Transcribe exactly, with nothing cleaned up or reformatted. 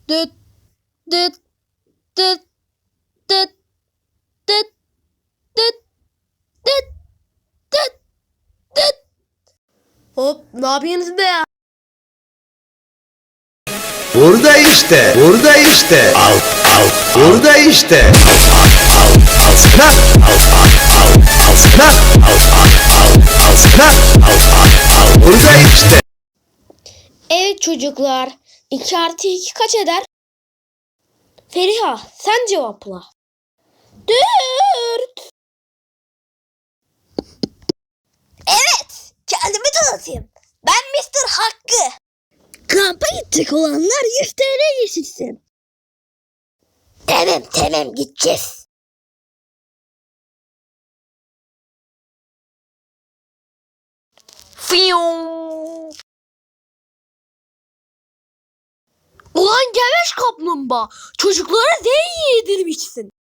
Düt düt düt düt düt düt düt düt düt. Hop, ne yapıyorsunuz be ya? Burada işte, burada işte. Al, al, burada işte. Al, al, al sana. Al, al, al, al sana. Al, al, al, al sana. Al, al, al, burada işte. Evet çocuklar, iki artı iki kaç eder? Feriha, sen cevapla. Dört. Evet, kendimi tanıtayım. Ben mister Hakkı. Kampa gidecek olanlar yüz T L geçirsin. Tamam tamam gideceğiz. Fiyong. Ulan geveş kaplumbağa, çocuklara ne yedirmişsin?